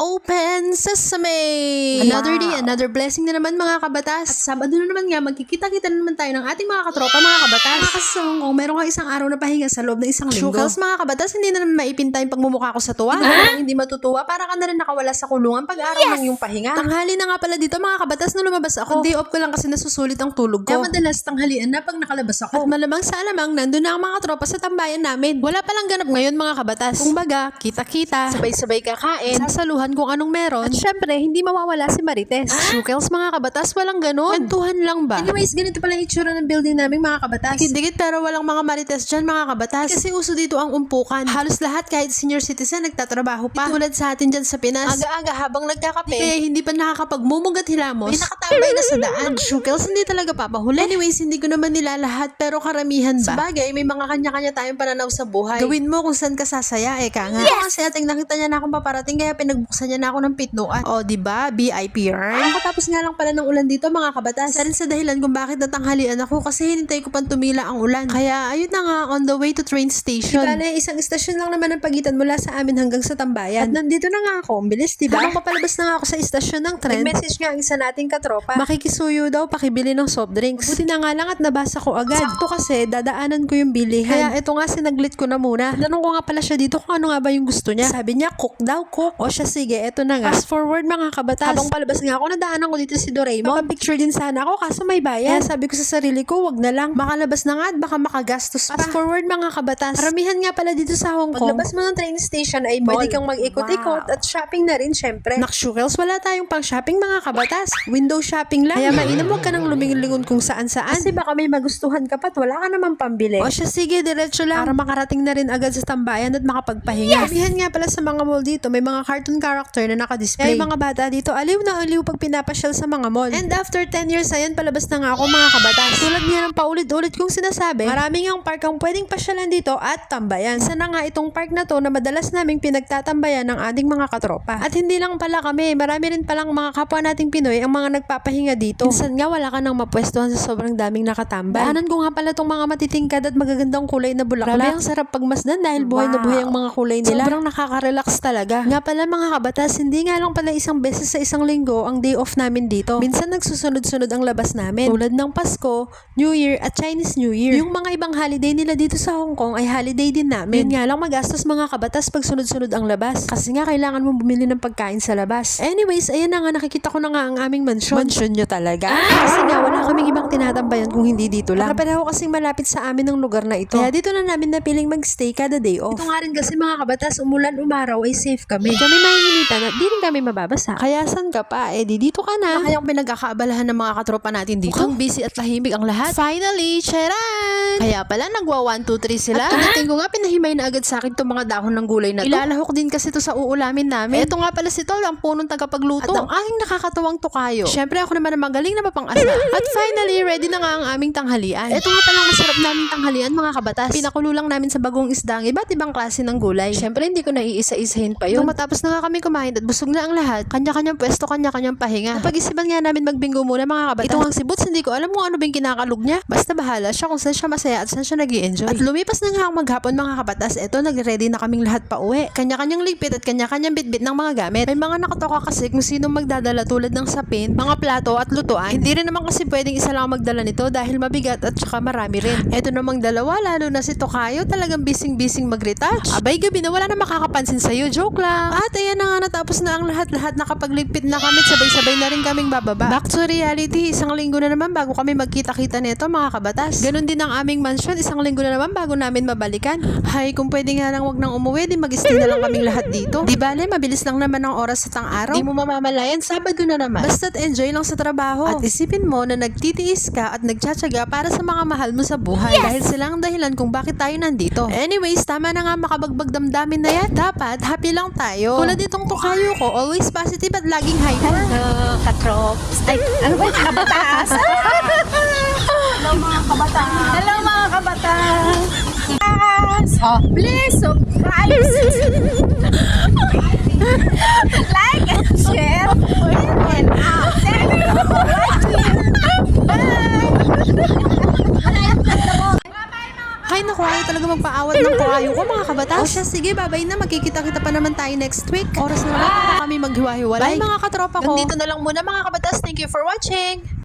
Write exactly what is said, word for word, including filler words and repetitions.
Open Sesame! Another day, another blessing na naman mga kabatas. At Sabado na naman nga, magkikita-kita na naman tayo ng ating mga katropa mga kabatas. Kasi sa Hong Kong, meron kang isang araw na pahinga sa loob ng isang linggo. Shukals mga kabatas, hindi na naman maipinta yung pagmumukha ko sa tuwa. Hindi na hindi matutuwa, para ka na rin nakawala sa kulungan pag-araw yes! ng yung pahinga. Tanghali na nga pala dito mga kabatas na lumabas ako. Day off ko lang kasi nasusulit ang tulog ko. Kaya madalas tanghalian na pag nakalabas ako. At malamang sa alamang, nandun na ang mga katropa sa tambayan namin. Wala palang ganap ngayon mga kabatas. Kung baga, kita-kita, sabay-sabay kakain, sasaluhan kung anong meron. At syempre, hindi mawawala si Marites. Ah? Shukels mga kabatas, walang ganun. Kwentuhan lang ba? Anyways, ganito pala yung itsura ng building namin mga kabatas. Dikit-dikit pero walang mga Marites dyan mga kabatas. Kasi uso dito ang umpukan. Halos lahat kahit senior citizen nagtatrabaho pa. Tulad sa atin dyan sa Pinas. Aga-aga habang nagkakape, kaya hindi pa nakakapagmumugat hilamos. May nakatambay na sa daan. Shukels hindi talaga papahuli. Anyways, hindi ko naman nila lahat pero karamihan ba? Sabagay, may mga kanya-kanya tayong pananaw sa buhay. Gawin mo kung saan ka sasaya, eh ka nga. Yes! Kasi ating nakita niya na akong paparating kaya pinagbuksan niya na ako ng pitnuan. O, diba? B I P yarn. Katapos nga lang pala ng ulan dito mga kabatas. Isa rin sa dahilan kung bakit natanghalian ako kasi hinintay ko pang tumila ang ulan. Kaya ayun na nga, on the way to train station. Diba na isang istasyon lang naman ang pagitan mula sa amin hanggang sa tambayan. At nandito na nga ako, ang bilis diba? Habang papalabas na nga ako sa istasyon ng tren, nag-message nga ang isa nating katropa. Makikisuyo daw, pakibili ng soft drinks. Buti na nga lang at nabasa ko agad. Sakto kasi, dadaanan ko yung bilihan. Kaya ito nga, sinaglit ko na muna. Tanong ko nga pala siya dito kung ano nga ba yung gusto niya. Sabi niya, cook daw, cook. O siya, sige, eto na nga. Fast forward mga kabatas. Habang palabas nga ako, nadaanan ko dito si Doraemon. Papapicture din sana ako kaso may bayad. Kaya sabi ko sa sarili ko, wag na lang. Makalabas na nga at baka makagastos pa. Fast forward mga kabatas. Karamihan nga pala dito sa Hong Kong. Paglabas mo ng train station ay mall. Pwede kang mag-ikot-ikot wow. at shopping na rin syempre. Nakshukels, wala tayong pang shopping mga kabatas. Window shopping lang. Kaya mainam wag ka nang lumingon kung saan-saan. Kasi baka may magustuhan ka pa at wala ka naman pambili. O siya, sige, diretso lang. Para makarating na rin agad sa tambayan at makapagpahinga. Yes! Karamihan nga pala sa mga mall dito, may mga cartoon character na nakadisplay. Kaya mga bata dito, aliw na aliw pag pinapasyal sa mga mall. And after ten years, ayan, palabas na nga ako mga kabatas. Tulad niya ng paulit-ulit kong sinasabi, maraming ang park ang pwedeng pasyalan dito at tambayan. Isa na nga itong park na to na madalas naming pinagtatambayan ng ating mga katropa. At hindi lang pala kami, marami rin palang mga kapwa nating Pinoy ang mga nagpapahinga dito. Minsan nga wala ka nang mapwestuhan sa sobrang daming nakatambay. Daanan ko nga pala tong mga matitingkad at magagandang kulay na bulaklak. Grabe ang sarap pagmasdan dahil buhay wow. na buhay ang mga kulay nila. Sobrang nakaka-relax talaga. Nga pala mga kabatas, hindi nga lang pala isang beses sa isang linggo ang day off namin dito. Minsan nagsusunod-sunod ang labas namin. Tulad ng Pasko, New Year at Chinese New Year. Yung mga ibang holiday nila dito sa Hong Kong ay holiday din namin. Yun nga lang magastos mga kabatas pag sunod-sunod ang labas. Kasi nga kailangan mo bumili ng pagkain sa labas. Anyways, ayan na nga, nakikita ko na nga ang aming mansyon. Mansyon nyo talaga? Ah! Kasi nga wala kaming ibang tinatambayan kung hindi dito lang. Para pareho kasing malapit sa amin ang lugar na ito. Kaya dito na namin napiling magstay kada day off. Ito nga rin kasi mga kabatas, umulan umaraw ay safe kami. Kami mahihilitan at di rin kami mababasa. Kaya san ka pa? Eh di dito ka na. Kaya yung pinagkakaabalahan ng mga katropa natin dito. Mukhang busy at tahimik ang lahat. Finally, charan! Kaya pala nagwa one, two, three sila. At pagdating ko nga, pinahimay na agad sa akin itong mga dahon ng gulay na to. Ilalahok din kasi to sa uulamin namin. Ito nga pala si Tol, ang punong tagapagluto. At ang aking nakakatawang tukayo. Syempre ako naman ang magaling na mapang-asa. At finally, ready na nga ang aming tanghalian. Ito nga palang masarap naming tanghalian mga kabatas. Pinakulo lang namin sa bagong isda ang iba't ibang klase ng gulay. Syempre hindi ko naiisa-isahin pa yun. Nung matapos na nga kami kumain at busog na ang lahat, kanya-kanyang pwesto, kanya-kanyang pahinga. Napag-isipan nga namin magbingo muna mga kabatas. Ito ang si Boots, hindi ko alam kung ano ba yung kinakalog niya. Basta bahala siya kung saan siya masaya at saan siya nag-i-enjoy. At lumipas na nga ang maghapon mga kabatas. Ito, nag-ready na kaming lahat pa uwi. Kanya-kanyang ligpit at kanya-kanyang bitbit ng mga gamit. May mga nakatoka kasi kung sino magdadala tulad ng sapin, mga plato at lutuan. Hindi rin naman kasi pwedeng isa lang magdala nito dahil mabigat at saka marami rin. Ito namang dalawa, lalo na si Tokayo, talagang bising-bising mag-retouch. Abay gabi na wala na makakapansin sa'yo, joke lang. At ayan na nga, natapos na ang lahat-lahat, nakapagligpit na kami, sabay-sabay na rin kaming bababa. Back to reality, isang linggo na naman bago kami magkita-kita nito mga kabatas. Ganon din ang aming mansion, isang linggo na naman bago namin mabalikan. Hay, kung pwede nga lang wag nang umuwi, di mag-stay na lang kaming lahat dito. Di bale, mabilis lang naman ang oras sa tang araw. Di mo mamamalayan, Sabado na naman. Basta't enjoy lang sa trabaho. At isipin mo na nagtitiis ka at nagtsatsaga para sa mga mahal mo sa buhay. Yes! Dahil sila ang dahilan kung bakit tayo nandito. Anyways, tama na nga makabagbag damdamin na yan. Dapat, happy lang tayo. Tulad itong tukayo ko, always positive at laging hyper. Hello, katrops. Ay, ano ba yung kabatas? Hello mga kabatas. Hello mga kabatas. Oh, please subscribe. Like and share. And out. Thank you for watching. Bye. Hay naku, ayaw talaga magpaawat ng tukayo ko mga kabatas. O siya, sige, babay na. Magkikita-kita pa naman tayo next week. Oras na lang para kami mag maghiwa-hiwalay. Bye mga katropa ko. Nandito na lang muna mga kabatas. Thank you for watching.